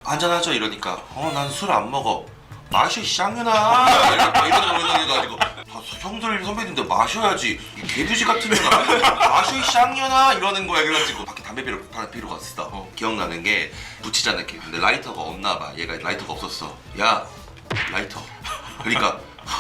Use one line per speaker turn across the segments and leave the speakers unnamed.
한잔하죠 이러니까 난 술 안 먹어. 마셔 쌍년아 이러는 가지고 형들 선배님들 마셔야지 이 개돼지 같은 년아 마셔 쌍년아 이러는 거야. 그래가지고 밖에 담배 피러 갔어. 기억나는 게 붙이잖아 이렇게. 근데 라이터가 없나 봐. 얘가 라이터가 없었어. 야 라이터. 그러니까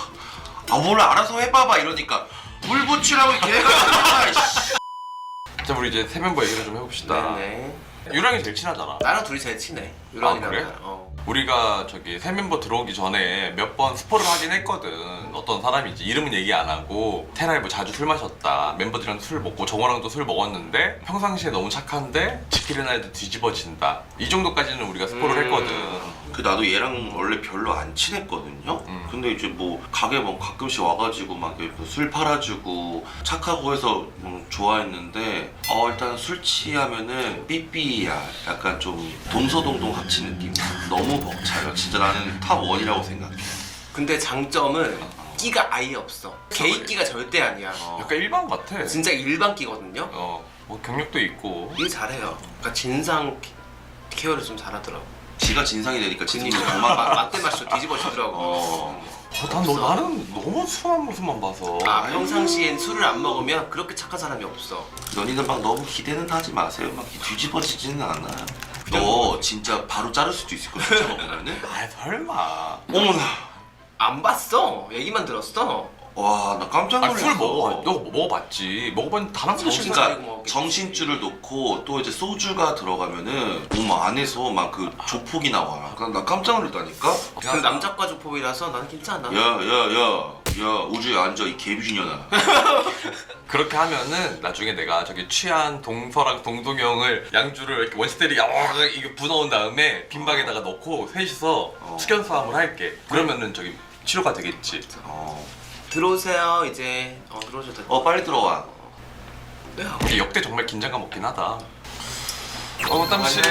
뭘 알아서 해봐봐 이러니까 물 붙이라고 이렇게 해가지고
자, 우리 이제 새 멤버 얘기를 좀 해봅시다.
네네.
유랑이 제일 친하잖아.
나랑 둘이 제일 친해. 유랑이랑.
그래?
나랑.
우리가 저기 새 멤버 들어오기 전에 몇 번 스포를 하긴 했거든. 어떤 사람인지 이름은 얘기 안 하고 테라이브 자주 술 마셨다. 멤버들이랑 술 먹고 정호랑도 술 먹었는데 평상시에 너무 착한데 지키는 날도 뒤집어진다. 이 정도까지는 우리가 스포를 했거든.
그 나도 얘랑 원래 별로 안 친했거든요. 근데 이제 뭐 가게 뭐 가끔씩 와가지고 막 술 팔아주고 착하고 해서 좋아했는데 일단 술 취하면은 삐삐야. 약간 좀 동서동동 합친 느낌. 너무 벅차요. 진짜 나는 탑 1이라고 생각해.
근데 장점은 끼가 아예 없어. 게이 끼가 절대 아니야.
약간 일반 같아.
진짜 일반 끼거든요.
뭐 경력도 있고.
일 잘해요. 그러니까 진상 케어를 좀 잘하더라고.
지가 진상이 되니까 진상이
그러니까
도망가.
맞대 마시고 뒤집어지더라고.
나는 너무 순한 모습만 봐서.
평상시엔 술을 안 먹으면 그렇게 착한 사람이 없어.
연인은 막 너무 기대는 하지 마세요. 막 뒤집어지지는 않아요. 너 진짜 바로 자를 수도 있을 거야. 진짜 먹으면은.
설마.
어머나.
안 봤어. 얘기만 들었어.
와, 나 깜짝 놀랐어.
술 먹어. 너 먹어봤지. 먹어봤는데 단 한 번도
정신
실패.
차리고
정신줄을 놓고 또 이제 소주가 들어가면은 몸 안에서 막 그 조폭이 나와. 나 깜짝 놀랐다니까.
그 남자과 조폭이라서 나는 괜찮아.
야 우주에 앉아 이 개비주년아.
그렇게 하면은 나중에 내가 저기 취한 동서랑 동동이 형을 양주를 이렇게 원시대리 이게 부어온 다음에 빈방에다가 넣고 셋이서 숙연 싸움을 할게. 그러면은 저기 치료가 되겠지.
들어오세요 이제. 들어오셔도 돼.
빨리 들어와.
네.
이게 역대 정말 긴장감 없긴 하다. 땀씨.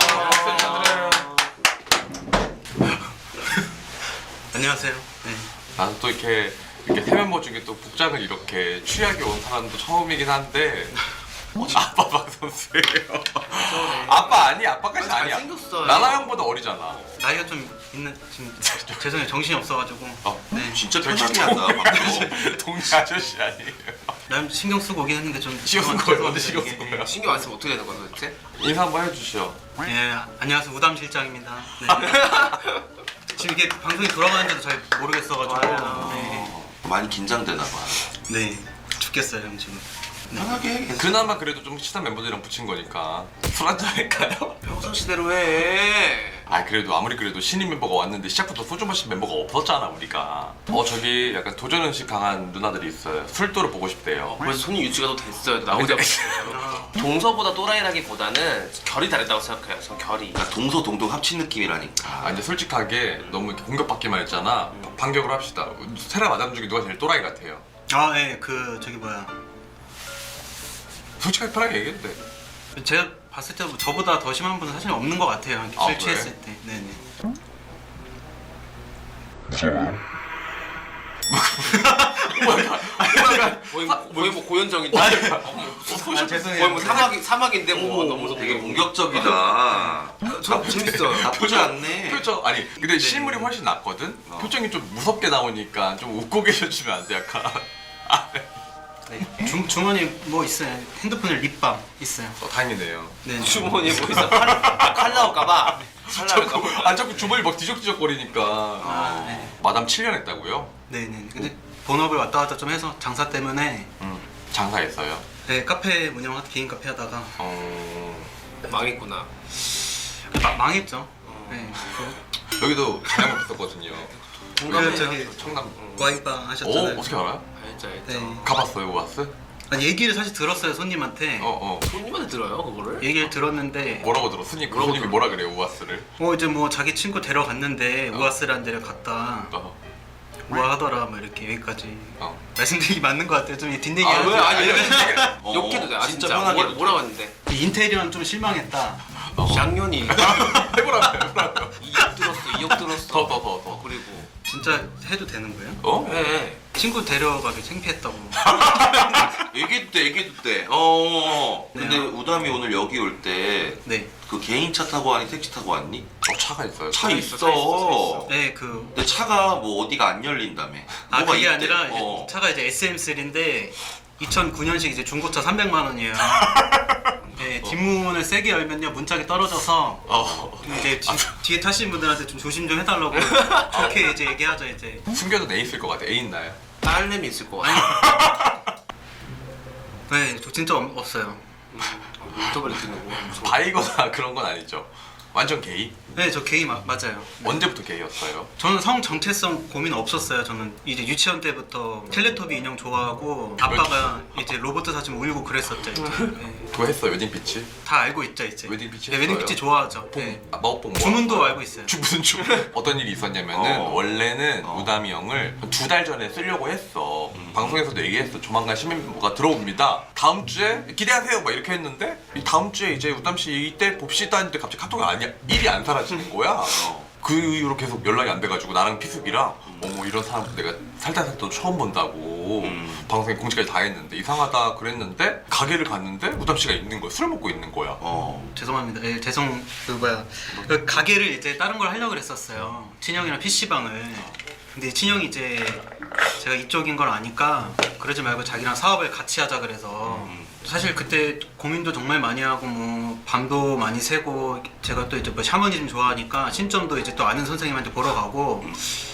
안녕하세요. 네.
나는 또 이렇게 새 멤버 중에 또 복장을 이렇게 취하게 온 사람도 처음이긴 한데 아빠 박선수예요. 아빠 아니 아빠까지 아니야.
잘생겼어요.
나나 형보다 어리잖아.
나이가 좀 있는 지금 죄송해요. 정신이 없어가지고.
네.
진짜 편하게 한다. 방금.
동네 아저씨 아니에요.
나 신경 쓰고 오긴 했는데 좀
신경 쓴 거예요? 언제 신경 쓴 거예요?
신경 안 쓰면 어떻게 되는 거야 도대체?
인사 한번 해주시오.
예, 안녕하세요. 우담 실장입니다. 네. 지금 이게 방송이 돌아가는지도 잘 모르겠어가지고. 네.
많이 긴장되나 봐.
네. 죽겠어요, 형 지금.
편하게 해.
그나마 그래도 좀 친한 멤버들이랑 붙인 거니까 술 한잔 할까요?
평상시대로 해.
그래도 아무리 그래도 신인 멤버가 왔는데 시작부터 소주 마신 멤버가 없었잖아 우리가. 저기 약간 도전의식 강한 누나들이 있어요. 술도를 보고 싶대요.
벌써 손님 유치가 또 됐어요. 나오자마자. 동서보다 또라이라기보다는 결이 다르다고 생각해요. 전 결이.
그러니까 동서동동 합친 느낌이라니까.
이제 솔직하게 너무 이렇게 공격받기만 했잖아. 반격을 합시다. 세라 마담 중에 누가 제일 또라이 같아요?
예, 저기 뭐야.
솔직하게 편하게 얘기해도 돼.
제가 봤을 때 저보다 더 심한 분은 사실 없는 것 같아요. 이렇게 술
그래?
취했을 때. 네네.
거의 뭐 고현정인데.
죄송해요.
거의 뭐 사막인데 뭐 너무
되게 공격적이다.
저 재밌어요.
나쁘지 않네.
표정 근데 실물이 훨씬 낫거든. 표정이 좀 무섭게 나오니까 좀 웃고 계셔주면 안 돼? 약간.
네. 주머니 뭐 있어요? 핸드폰에 립밤 있어요.
다행이네요.
네.
주머니에 뭐 있어? 칼 나올까봐. 칼 나올까봐.
자꾸 주머니 막 뒤적뒤적거리니까.
네.
마담 7년 했다고요?
네네. 근데 본업을 왔다 갔다 좀 해서 장사 때문에
장사했어요.
네, 카페 개인 카페 하다가
망했구나.
망했죠. 네.
여기도 자영업 했었거든요.
그 저기
청남.
와인바 하셨잖아요.
어떻게 알아요?
알죠.
네.
가봤어요, 오아스?
얘기를 사실 들었어요, 손님한테.
손님한테 들어요 그거를?
얘기를 들었는데
뭐라고 들어? 손님이 뭐라 그래요, 오아스를?
이제 뭐 자기 친구 데려갔는데 우아스라는 데를 갔다 우아하더라 뭐 이렇게 여기까지 말씀드리기 맞는 것 같아요. 좀 뒷얘기 하죠.
왜? 아니 욕해도 돼.
진짜
진짜
편하게
뭐라고 했는데?
인테리어는 좀 실망했다.
쌍년이
해보라며.
2억 들었어.
더.
그리고
진짜 해도 되는 거예요?
해.
친구 데려가기 창피했다고.
얘기해도 돼, 얘기해도 돼. 근데
네.
우담이 오늘 여기 올 때
네.
그 개인 차 타고 왔니? 택시 타고 왔니?
차가 있어요.
차 있어.
차 있어.
네,
근데 차가 뭐 어디가 안 열린다며.
아,
뭐가
그게
있대.
아니라 이제 차가 이제 SM3인데 2009년식 이제 중고차 300만 원이에요. 네, 뒷문을 세게 열면요 문짝이 떨어져서 이제 뒤에 타시는 분들한테 좀 조심 좀 해달라고 좋게 이제 얘기하죠 이제.
숨겨둔 애 있을 것 같아. 애 있나요?
딸내미 있을 거 같아.
네, 저 진짜 없어요.
인터벌이 듣는 거.
바이거나 그런 건 아니죠. 완전 게이?
네, 저 게이 맞아요. 네.
언제부터 게이였어요?
저는 성 정체성 고민 없었어요. 저는 이제 유치원 때부터 텔레토비 인형 좋아하고 아빠가 이제 로봇 사주면 울고 그랬었죠. 이제. 네.
그거 했어 웨딩 피치?
다 알고 있죠 이제.
웨딩 피치
네, 웨딩
했어요?
피치 좋아하죠. 네.
마법봉 뭐?
주문도 알고 있어요.
무슨 주문? 어떤 일이 있었냐면은 원래는
어.
우담이 형을 2달 전에 쓰려고 했어. 방송에서도 얘기했어. 조만간 시민부가 들어옵니다. 다음 주에 기대하세요. 막 이렇게 했는데 이 다음 주에 이제 우담 씨 이때 봅시다 했는데 갑자기 카톡이 아니야. 일이 안 사라지는 거야. 그 이후로 계속 연락이 안 돼가지고 나랑 피숙이랑 어머 이런 사람 내가 살다 처음 본다고 방송에 공지까지 다 했는데 이상하다 그랬는데 가게를 갔는데 우담 씨가 있는 거야. 술 먹고 있는 거야.
죄송합니다. 예, 그 가게를 이제 다른 걸 하려고 그랬었어요. 친형이랑 PC방을. 근데 친형이 이제 제가 이쪽인 걸 아니까 그러지 말고 자기랑 사업을 같이 하자 그래서 사실 그때 고민도 정말 많이 하고 뭐 밤도 많이 새고 제가 또 이제 뭐 샤머니즘 좋아하니까 신점도 이제 또 아는 선생님한테 보러 가고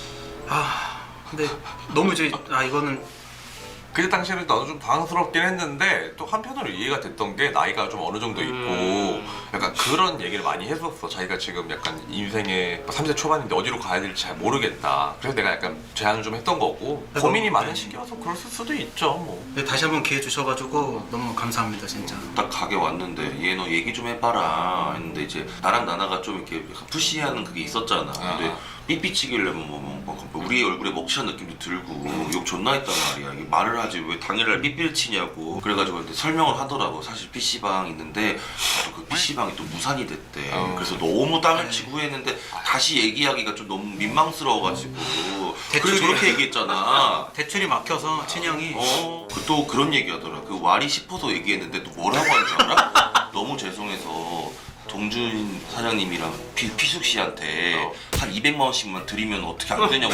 근데 너무 이제 이거는
그때 당시에는 나도 좀 당황스럽긴 했는데 또 한편으로 이해가 됐던 게 나이가 좀 어느 정도 있고 약간 그런 얘기를 많이 했었어. 자기가 지금 약간 인생의 30대 초반인데 어디로 가야 될지 잘 모르겠다. 그래서 내가 약간 제안을 좀 했던 거고 고민이 많은 시기여서 그럴 수도 있죠 뭐.
다시 한번 기회 주셔가지고 너무 감사합니다 진짜.
딱 가게 왔는데 얘 너 얘기 좀 해봐라 했는데 이제 나랑 나나가 좀 이렇게 약간 푸시하는 그게 있었잖아. 근데 삐삐치길래 우리 얼굴에 먹칠한 느낌도 들고 욕 존나 했단 말이야. 이게 말을 하지 왜 당일날 삐삐를 치냐고. 그래가지고 근데 설명을 하더라고. 사실 PC방 있는데 그 PC방이 또 무산이 됐대. 그래서 너무 땅을 치고 후회했는데 다시 얘기하기가 좀 너무 민망스러워가지고 그래서 저렇게 얘기했잖아.
대출이 막혀서 친형이
또 그런 얘기하더라. 그 와리 싶어서 얘기했는데 또 뭐라고 하는지 알아? 너무 죄송해서 동준 사장님이랑 피숙 씨한테 한 200만 원씩만 드리면 어떻게 안 되냐고.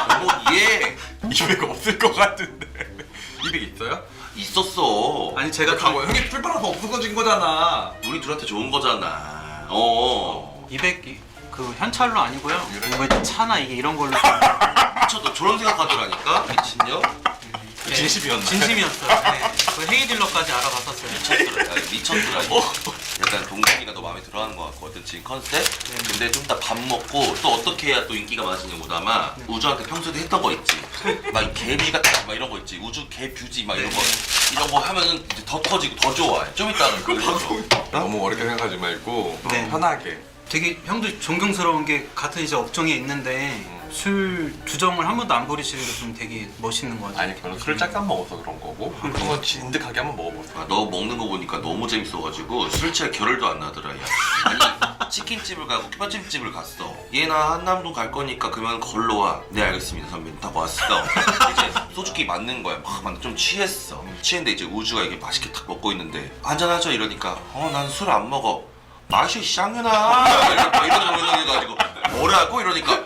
얘
200 없을 것 같은데 200 있어요?
있었어.
아니 제가
가고 형이 출발해서 없어진 거잖아.
우리 둘한테 좋은 거잖아.
200 그 현찰로 아니고요. 뭐 이제 차나 이런 걸로
미쳤다. 저런 생각하더라니까 미친년.
진심이었나?
진심이었어요. 네. 그 헤이 딜러까지 알아봤었어요.
미쳤더라. 약간 동준이가 너 마음에 들어하는 것 같거든 지금 컨셉. 근데 좀 이따 밥 먹고 또 어떻게 해야 또 인기가 많아지냐고. 아마 우주한테 평소에도 했던 거 있지. 막 개뷰지 같은 막 이런 거 있지. 우주 개뷰지 막 이런 거 하면은 이제 더 터지고 더 좋아해. 좀 이따는 그 방송.
너무 어렵게 생각하지 말고
네.
편하게.
되게 형도 존경스러운 게 같은 이제 업종에 있는데 술 주정을 한 번도 안 부리시는 게 좀 되게 멋있는 것 같아요.
아니 그건 술 잠깐 먹어서 그런 거고 그건 진득하게 한번 먹어보세요.
너 먹는 거 보니까 너무 재밌어가지고 술 취할 겨를도 안 나더라. 야. 아니 치킨집을 가고 뼈집집을 갔어. 얘나 한남동 갈 거니까 그러면 걸로 와. 네 알겠습니다 선배님. 딱 왔어. 이제 소주기 맞는 거야. 막 좀 취했어. 취했는데 이제 우주가 이게 맛있게 딱 먹고 있는데 한잔하죠 이러니까 난 술 안 먹어. 마셔 쌍년아. 이러는 가지고 뭐라고 이러니까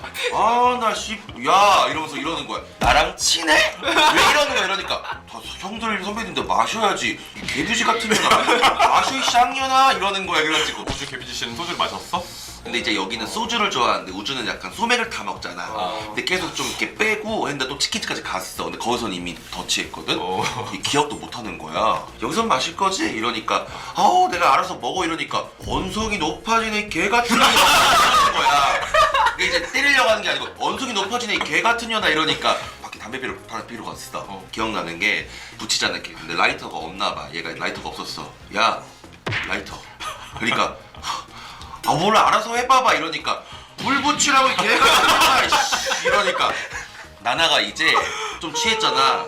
야 이러면서 이러는 거야. 나랑 친해? 왜 이러는 거야 이러니까 다 형들 선배님들 마셔야지. 이 개뷰지 같은 년아 마셔 이 쌍년아 이러는 거야. 그래가지고
우주 개비지 씨는 소주를 마셨어?
근데 이제 여기는 소주를 좋아하는데 우주는 약간 소맥을 다 먹잖아. 근데 계속 좀 이렇게 빼고 했는데 또 치킨집까지 갔어. 근데 거기선 이미 더 취했거든. 이 기억도 못 하는 거야. 여기선 마실 거지? 이러니까 내가 알아서 먹어 이러니까 언성이 높아지네 이 개 같은 년아 이러는 거야. 이게 이제 때리려고 하는 게 아니고 언성이 높아지네 이 개 같은 년아 이러니까 밖에 담배 피러 갔어. 기억나는 게 붙이잖아 이렇게. 근데 라이터가 없나 봐. 얘가 라이터가 없었어. 야 라이터. 그러니까 몰라 알아서 해봐봐 이러니까 불 붙이라고 이 개가 이러니까 나나가 이제 좀 취했잖아.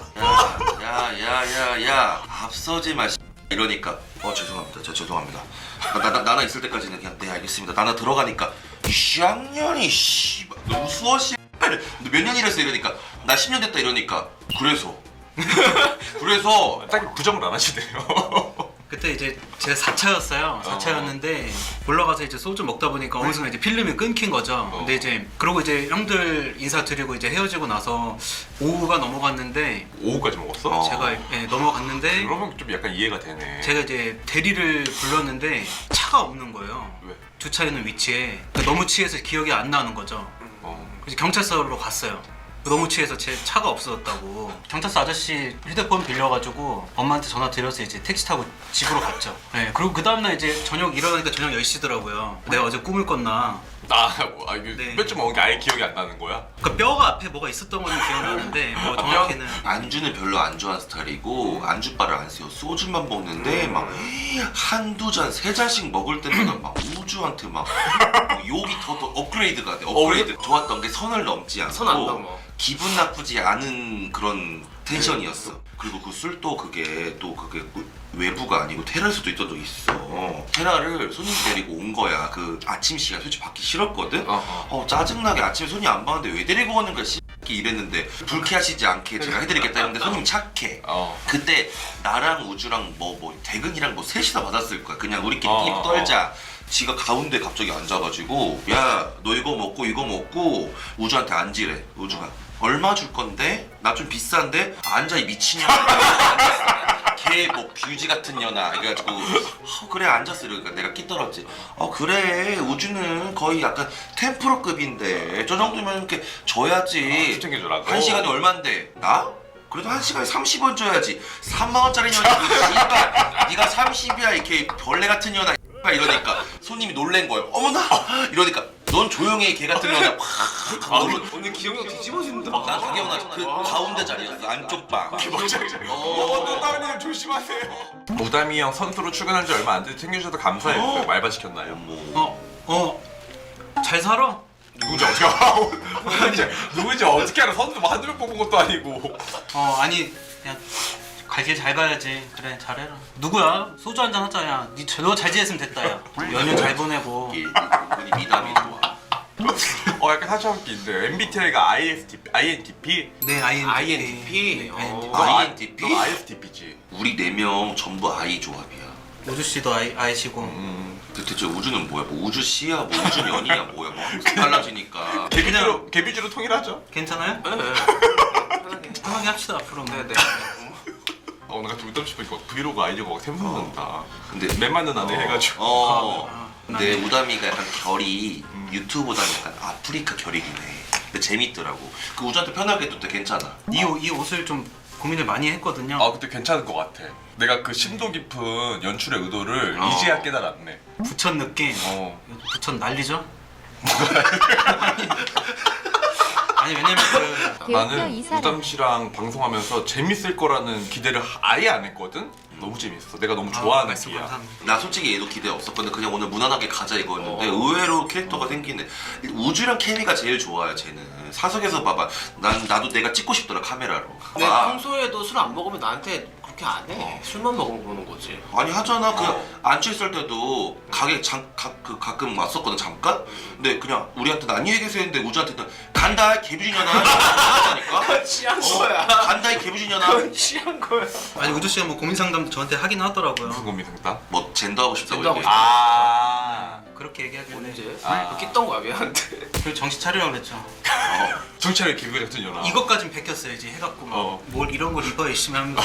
야 앞서지 마 이러니까 죄송합니다. 저 죄송합니다. 나나 있을 때까지는 그냥 네 알겠습니다. 나나 들어가니까 쌍년이 너무 수어 씨 너 몇 년 일했어 이러니까 나 10년 됐다 이러니까 그래서
딱히 부정을 안 하시네요.
그때 이제 제가 4차였어요. 4차였는데 올라가서 이제 소주 먹다 보니까 어느 순간 이제 필름이 끊긴 거죠. 근데 이제 그러고 이제 형들 인사드리고 이제 헤어지고 나서 오후가 넘어갔는데
오후까지 먹었어?
제가 넘어갔는데
그러면 좀 약간 이해가 되네.
제가 이제 대리를 불렀는데 차가 없는 거예요.
왜?
주차 있는 위치에. 그러니까 너무 취해서 기억이 안 나는 거죠. 그래서 경찰서로 갔어요. 너무 취해서 제 차가 없어졌다고. 경찰서 아저씨 휴대폰 빌려가지고 엄마한테 전화 드려서 이제 택시 타고 집으로 갔죠. 네, 그리고 그 다음날 이제 저녁 일어나니까 저녁 10시더라고요. 내가 어제 꿈을 꿨나.
이게
네.
몇점 먹은 게 아예 기억이 안 나는 거야?
그 뼈가 앞에 뭐가 있었던 건 기억나는데 뭐 정확히는.
안주는 별로 안 좋아하는 스타일이고 안주바를 안 써요. 소주만 먹는데 막 한두 잔, 세 잔씩 먹을 때마다 막 우주한테 막 욕이 더 업그레이드가 돼. 업그레이드. 좋았던 게 선을 넘지 않고
선안 넘어.
기분 나쁘지 않은 그런 텐션이었어. 그리고 그 술도 그게 외부가 아니고 테라일 수도 있던 적이 있어. 테라를 손님 데리고 온 거야. 그 아침 시간 솔직히 받기 싫었거든. 짜증나게 아침에 손님 안 봤는데 왜 데리고 오는 거야 이랬는데 불쾌하시지 않게 제가 해드리겠다 했는데 손님 착해. 그때 나랑 우주랑 뭐 대근이랑 뭐 셋이서 받았을 거야. 그냥 우리끼리 입 떨자. 지가 가운데 갑자기 앉아가지고 야 너 이거 먹고 우주한테 앉으래. 우주가 얼마 줄 건데? 나 좀 비싼데? 앉아 이 미친년아. 걔 뭐 뷰지 같은 년아. 그래가지고 그래 앉았어. 이러니까 내가 끼떨었지. 그래 우주는 거의 약간 템프로급인데 저 정도면 이렇게 줘야지.
챙겨주라고.
한 시간에 얼만데? 나? 그래도 한 시간에 30원 줘야지. 3만원짜리 년이 씨발 네가 30이야 이렇게 벌레 같은 년아 이러니까 손님이 놀란 거예요. 어머나 이러니까 넌 조용해 개 같은 년아.
오늘 기억력 뒤집어진다.
난 다 기억나. 그 가운데 자리였어. 안쪽 방.
따님 조심하세요. 무담이 형 선수로 출근한 지 얼마 안 돼서 챙겨주셔서 감사해요. 말바 시켰나요?
잘 살아?
누군지 어떻게 알아? 누군지 어떻게 알아? 선수 뭐 한두 명 뽑은 것도 아니고.
아니 그냥 갈 길 잘 가야지. 그래 잘해라. 누구야? 소주 한잔 하자. 야 너 잘 지냈으면 됐다. 야 연휴 잘 보내고.
우리 미담이 좋아.
약간 사실 웃긴데 MBTI가 INTP?
네
INTP.
너 INTP?
너 ISTP지.
우리 4명 전부 I 조합이야.
우주 씨도 아이시고.
대체 우주는 뭐야? 뭐 우주 씨야? 뭐 우주 년이야? 뭐야? 뭐 항상 달라지니까.
개비주로 통일하죠.
괜찮아요?
네.
편하게 합시다 앞으로.
네네.
오늘 같이 웃담 싶으니까 브이로그 아이디어가 샘솟는다.
근데
매 맞는 안에 해가지고.
근데 우담이가 약간 결이 유튜브보다는 약간 아프리카 결이긴 해. 근데 재밌더라고. 그 우주한테 편하게 해도 돼. 괜찮아.
이 옷을 좀 고민을 많이 했거든요.
그때 괜찮을 것 같아. 내가 그 심도 깊은 연출의 의도를 이제야 깨달았네.
부천 느낌. 부천 난리죠? 아니 왜냐면
나는 우담 씨랑 방송하면서 재밌을 거라는 기대를 아예 안 했거든? 너무 재밌어. 내가 너무 좋아하는 기야.
감사합니다.
나 솔직히 얘도 기대 없었거든. 그냥 오늘 무난하게 가자 이거였는데 의외로 캐릭터가 생기네. 우주랑 케미가 제일 좋아요. 쟤는 사석에서 봐봐. 나도 내가 찍고 싶더라 카메라로.
근데 평소에도 술 안 먹으면 나한테 그렇게 안 해. 술만 먹으면 보는 거지.
아니 하잖아. 그냥 안 취했을 때도 가게 가끔 왔었거든 잠깐. 근데 그냥 우리한테는 안녕히 계세요 했는데 우주한테는 간다 개부진년아 하니까.
취한 거야.
간다 이 개부진년아.
취한 거야.
아니 우주 씨가 뭐 고민 상담도 저한테 하긴 하더라고요.
무슨 고민 상담?
뭐 젠더 하고 싶다고
젠더 하고
얘기해.
그렇게 얘기하길래
언제?
아.
웃겼던 거야 얘한테.
그 정신 차리라고 그랬죠.
정찰의 기분 같은 연아.
이것까진 베꼈어야지 해갖고 막 뭘 이런 걸 입어 열심히 하면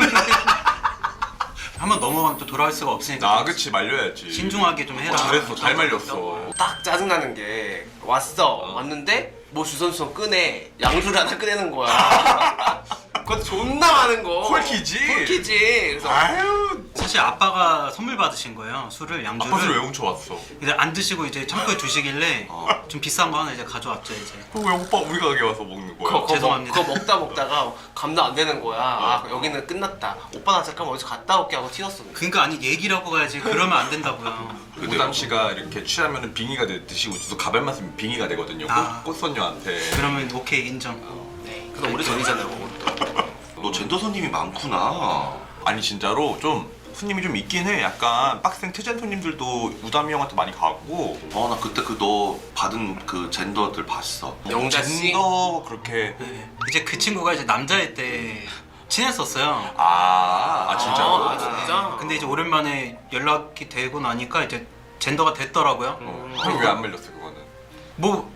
한번 넘어가면 또 돌아올 수가 없으니까
그치 말려야지.
신중하게 좀 해라.
잘했어. 잘 말렸어.
딱 짜증나는 게 왔는데 뭐 주선수선 끄내 양주를 하나 꺼내는 거야. 그것도 존나 많은 거.
콜키지?
콜키지. 그래서
아유.
사실 아빠가 선물 받으신 거예요. 술을 양주를.
아빠 술왜 훔쳐왔어?
이제 안 드시고 이제 창고에 두시길래 좀 비싼 거 하나 이제 가져왔죠 이제.
왜 오빠 우리 가게 와서 먹는 거야?
죄송합니다.
그거 먹다가 감당 안 되는 거야. 여기는 끝났다. 오빠 나 잠깐 어디서 갔다 올게 하고 튀었어.
그러니까 아니 얘기를 하고 가야지. 그러면 안 된다고요.
우담 씨가 이렇게 취하면 빙의가 되듯이 우주도 가발 맞으면 빙의가 되거든요. 꽃선녀한테.
그러면 오케이 인정.
네. 그럼 오래 전이잖아요. 그것도.
너 젠더 손님이 많구나.
아니 진짜로 좀 손님이 좀 있긴 해. 약간 빡센 트젠 손님들도 우담이 형한테 많이 가고.
나 그때 그 너 받은 그 젠더들 봤어.
영자 씨.
젠더 그렇게.
네. 이제 그 친구가 이제 남자일 때 친했었어요.
진짜로?
아, 진짜?
근데 이제 오랜만에 연락이 되고 나니까 이제 젠더가 됐더라고요.
형 왜 안 밀렸어 그거는?
뭐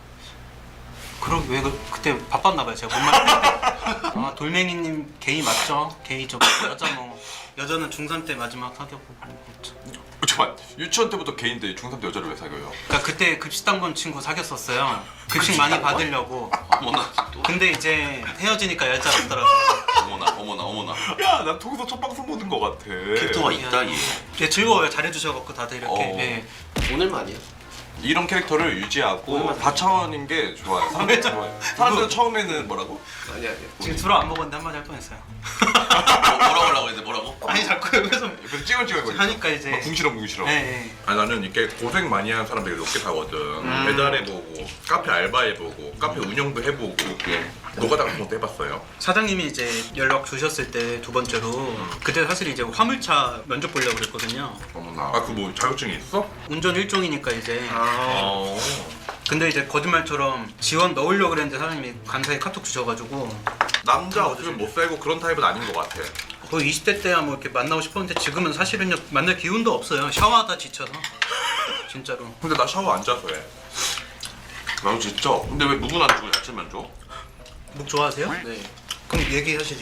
그럼 왜 그때 바빴나 봐요. 제가 못 말했는데. 아 돌멩이님 게이 맞죠? 게이 저 여자 뭐 여자는 중3 때 마지막 사귀었고 그렇죠.
잠깐 유치원 때부터 개인데 중3 때 여자를 왜 사귀어요?
그러니까 그때 급식당 본 친구 사귀었었어요. 급식 많이 받으려고.
어머나 또.
근데 이제 헤어지니까 여자 없더라고요.
어머나.
야, 난 통해서 첫 방송 보는 거 같아.
캐릭터가 있다 얘.
예, 즐거워요. 잘해주셔갖고 다들 이렇게. 예.
오늘만이야.
이런 캐릭터를 유지하고 다차원인 게 좋아요. 사람들이 좋아요. 사람들은 처음에는 뭐라고?
아니야.
지금 들어 안 먹었는데 한마디 할 뻔했어요.
뭐라고 하려고 했는데 뭐라고?
아니 자꾸 여기서
옆에서 찌글찌글
하니까 이제.
궁시렁.
예, 예.
아니 나는 이렇게 고생 많이 하는 사람들이 높게 사거든. 배달해보고 카페 알바해보고 카페 운영도 해보고 노가다 같은 것도 해봤어요.
사장님이 이제 연락 주셨을 때 두 번째로 그때 사실 이제 화물차 면접 보려고 그랬거든요.
어머나.
그 뭐 자격증이 있어?
운전 1종이니까 이제.
어.
근데 이제 거짓말처럼 지원 넣으려고 그랬는데 사장님이 감사히 카톡 주셔가지고
남자 없으면 못 살고 그런 타입은 아닌 것 같아.
거의 20대 때야 뭐 이렇게 만나고 싶었는데 지금은 사실은요 만날 기운도 없어요. 샤워하다 지쳐서 진짜로.
근데 나 샤워 안 자서 해.
나도 진짜. 근데 왜 묵은 안 주고 야채만 줘?
묵 좋아하세요?
네.
그럼 얘기하시지.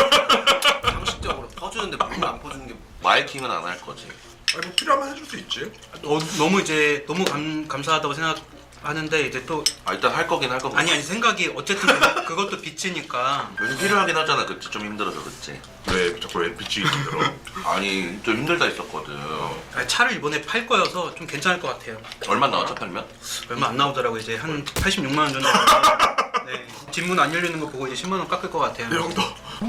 상식적으로 퍼주는데 물을 안 퍼주는 게
마이킹은 안 할 거지.
아니 뭐 필요하면 해줄 수 있지.
너무 이제 너무 감사하다고 생각하는데 이제 또
일단 할 거긴 할 거고.
아니 생각이 어쨌든 그것도 빚이니까.
요즘 필요하긴 하잖아. 그치 좀 힘들어서 그치.
왜 자꾸 왜 빛이 힘들어?
아니 좀 힘들다 했었거든.
아니, 차를 이번에 팔 거여서 좀 괜찮을 것 같아요.
얼마 나왔죠 팔면?
얼마 안 나오더라고 이제 한 86만 원 정도. 네. 뒷문 안 열리는 거 보고 이제 10만 원 깎을 것 같아요.
형도.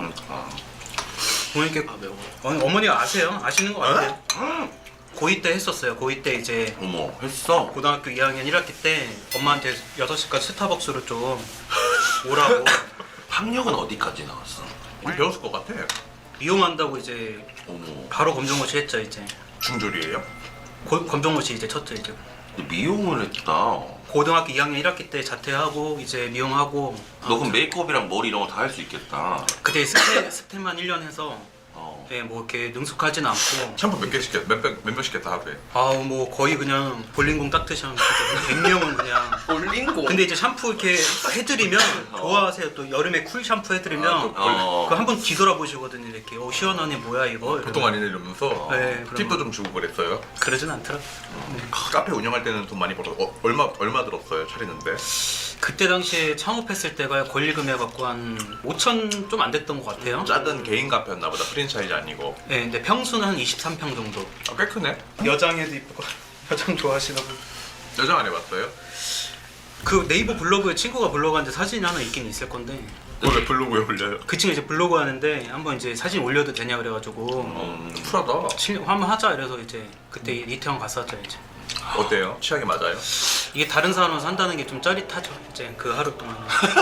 어머니께
매워.
어머니가 아세요? 아시는 것 같아요. 고2 때 했었어요. 고2 때 이제
어머 했어.
고등학교 2학년 1학기 때 엄마한테 6시까지 스타벅스로 좀 오라고
학력은 어디까지 나왔어?
배웠을 것 같아.
이용한다고 이제
어머.
바로 검정고시 했죠 이제.
중졸이에요?
검정고시 이제 쳤죠 이제.
너 미용을 했다.
고등학교 2학년 1학기 때 자퇴하고 이제 미용하고.
너 그럼 메이크업이랑 머리 이런 거 다 할 수 있겠다.
그때 스텝만 1년 해서
어.
네, 뭐 이렇게 능숙하진 않고.
샴푸 몇 개 시켰? 몇 시켰다 하루에?
아우 뭐 거의 그냥 볼링공 닦듯이 하면 100명은 그냥.
볼링고.
근데 이제 샴푸 이렇게 해드리면 좋아하세요. 또 여름에 쿨 샴푸 해드리면
어.
그 한 번 뒤돌아보시거든요. 이렇게 시원하네 뭐야 이거.
보통 아니네 이러면서
네,
팁도
그러면.
좀 주고 그랬어요.
그러진 않더라.
카페 운영할 때는 돈 많이 벌어. 얼마 들었어요 차리는데?
그때 당시에 창업했을 때가 권리금액 갖고 한 5천 좀 안 됐던 것 같아요.
작은 개인 카페였나 보다. 프랜차이즈 아니고.
네, 근데 평수는 한 23평 정도.
꽤 크네.
여장에도 이쁘고 여장 좋아하시나 보.
여장 안 해봤어요?
그 네이버 블로그에 친구가 블로그 하는데 사진이 하나 있긴 있을 건데
그걸 왜 블로그에 올려요?
그 친구 이제 블로그 하는데 한번 이제 사진 올려도 되냐 그래가지고
쿨하다.
한번 하자 이래서 이제 그때 이태원 갔었죠 이제.
어때요? 취향이 맞아요?
이게 다른 사람은 산다는 게 좀 짜릿하죠. 이제 그 하루 동안.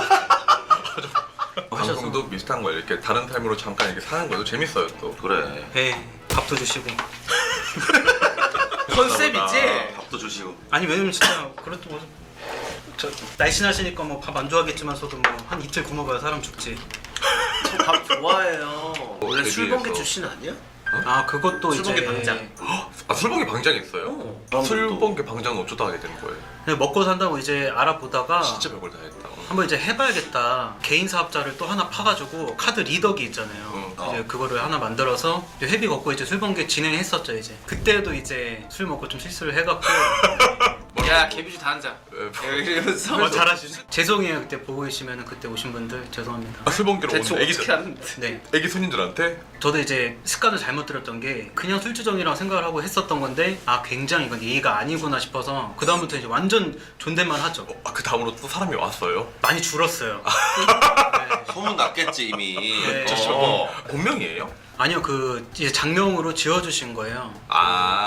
하셔서.
방송도 비슷한 거예요. 이렇게 다른 타임으로 잠깐 이렇게 사는 거도 재밌어요 또.
그래.
네, 밥도 주시고.
컨셉이지?
밥도 주시고.
아니 왜냐면 진짜 그래도 뭐, 저 날씬하시니까 뭐 밥 안 좋아하겠지만서도 뭐 한 이틀 굶어봐야 사람 죽지.
저 밥 좋아해요. 원래
데뷔해서.
술번개 출신 아니야?
아 그것도
술번개
이제
방장.
아 술번개 방장 있어요? 술번개 방장은 어쩌다 하게 된 거예요?
그냥 먹고 산다고 이제 알아보다가
진짜 별걸 다 했다.
한번 이제 해봐야겠다. 개인 사업자를 또 하나 파가지고 카드 리더기 있잖아요. 이제 그거를 하나 만들어서 이제 회비 걷고 이제 술번개 진행했었죠 이제. 그때도 이제 술 먹고 좀 실수를 해갖고.
야 개비주 다 앉아. 이러면서.
잘하시네. 죄송해요 그때 보고 계시면 그때 오신 분들 죄송합니다.
아, 술번개로
대충
온 애기
어떻게 하는데?
네.
애기 손님들한테
저도 이제 습관을 잘못 들었던 게 그냥 술주정이라고 생각을 하고 했었던 건데 아 굉장히 이건 예의가 아니구나 싶어서 그 다음부터 이제 완전 존댓말 하죠.
그 다음으로 또 사람이 왔어요.
많이 줄었어요. 네.
소문 났겠지 이미.
네.
본명이에요?
아니요 그 이제 장명으로 지어주신 거예요.
아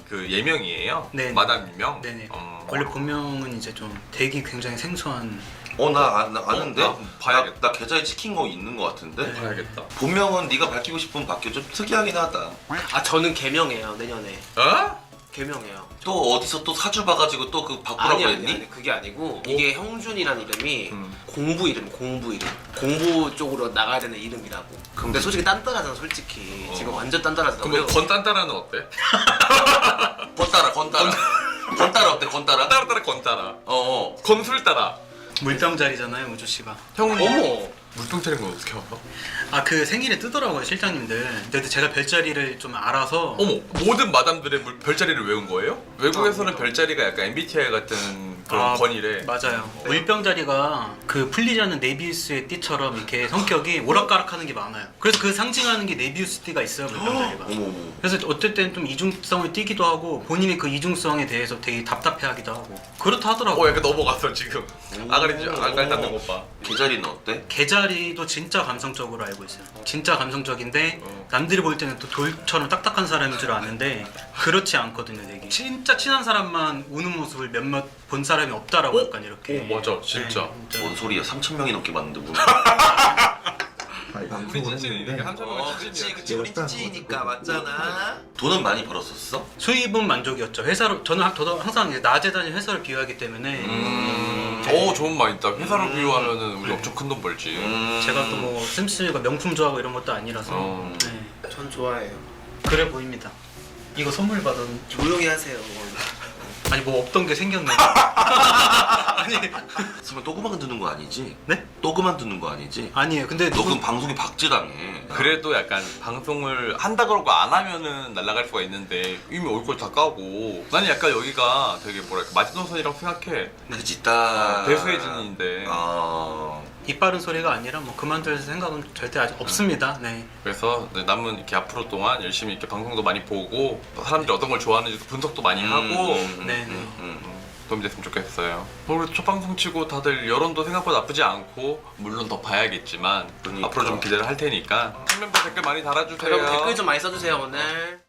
그 예명이에요?
네.
마담 예명?
네네. 원래 본명은 이제 좀 되게 굉장히 생소한.
나 아는데?
나 봐야겠다.
나 계좌에 찍힌 거 있는 거 같은데?
네.
봐야겠다.
본명은 네가 밝히고 싶으면 밝혀. 좀 특이하긴 하다.
아 저는 개명해요 내년에.
어?
개명해요.
또 어디서 또 사주 봐가지고 또 그 바꾸라고 했니?
아니 그게 아니고 이게 형준이란 이름이
음.
공부 이름 공부 쪽으로 나가야 되는 이름이라고. 근데 솔직히 딴따라잖아 솔직히. 지금 완전 딴따라잖아.
그럼 건딴따라는 어때?
건따라 건따라 어때 건따라?
따라따라 건따라.
어어
건술따라.
물병자리잖아요, 우주 씨가.
형은
어머.
물병 차린 건 어떻게 알아?
아 그 생일에 뜨더라고요, 실장님들. 근데 제가 별자리를 좀 알아서.
어머, 모든 마담들의 별자리를 외운 거예요? 외국에서는 별자리가 약간 MBTI 같은 그런 권이래.
맞아요. 물병자리가 그 풀리지 않는 네비우스의 띠처럼 이렇게 성격이 오락가락하는 게 많아요. 그래서 그 상징하는 게 네비우스 띠가 있어요, 물병자리가.
어머
그래서 어떨 땐 좀 이중성을 띠기도 하고 본인이 그 이중성에 대해서 되게 답답해하기도 하고 그렇다 하더라고요.
약간 넘어갔어 지금. 아가리 닿는 것 봐.
계자리는 어때?
개자리도 진짜 감성적으로 알고 있어요. 진짜 감성적인데 남들이 볼 때는 또 돌처럼 딱딱한 사람인 줄 아는데 그렇지 않거든요, 되게. 진짜 친한 사람만 우는 모습을 몇몇 본 사람이 없다라고 약간 이렇게.
오 맞아 진짜.
네, 진짜.
뭔 소리야? 3,000명이 넘게 봤는데 뭐?
우리 찐찐이니까 3,000명은
그치 우리 찌찌니까 맞잖아. 돈은 많이 벌었었어?
수입은 만족이었죠. 회사로 저도 항상 이제 낮에 다니는 회사를 비유하기 때문에
오 좋은 말 있다. 회사로 비유하면은 우리 엄청 큰 돈 벌지.
제가 또 뭐 샘스가 명품 좋아하고 이런 것도 아니라서 네.
전 좋아해요.
그래 보입니다. 이거 선물 받은.
조용히 하세요.
아니 뭐 없던 게 생겼네. 아니
설마 또 그만두는 거 아니지?
네?
또 그만두는 거 아니지?
아니에요. 근데
너 그럼 방송에 박제당해.
그래도 약간 방송을 한다 그러고 안 하면은 날아갈 수가 있는데 이미 얼굴 다 까고 나는 약간 여기가 되게 뭐랄까 마지노선이라고 생각해.
그치 딱
대수의 진인데
입 바른 소리가 아니라 뭐 그만둘 생각은 절대 아직 없습니다. 네.
그래서 네, 남은 이렇게 앞으로 동안 열심히 이렇게 방송도 많이 보고 또 사람들이 어떤 걸 좋아하는지 분석도 많이 하고
네.
도움이 됐으면 좋겠어요. 그리고 첫 방송 치고 다들 여론도 생각보다 나쁘지 않고 물론 더 봐야겠지만
그러니까.
앞으로 좀 기대를 할 테니까 팬멤버 댓글 많이 달아주세요.
여러분 댓글 좀 많이 써주세요 오늘.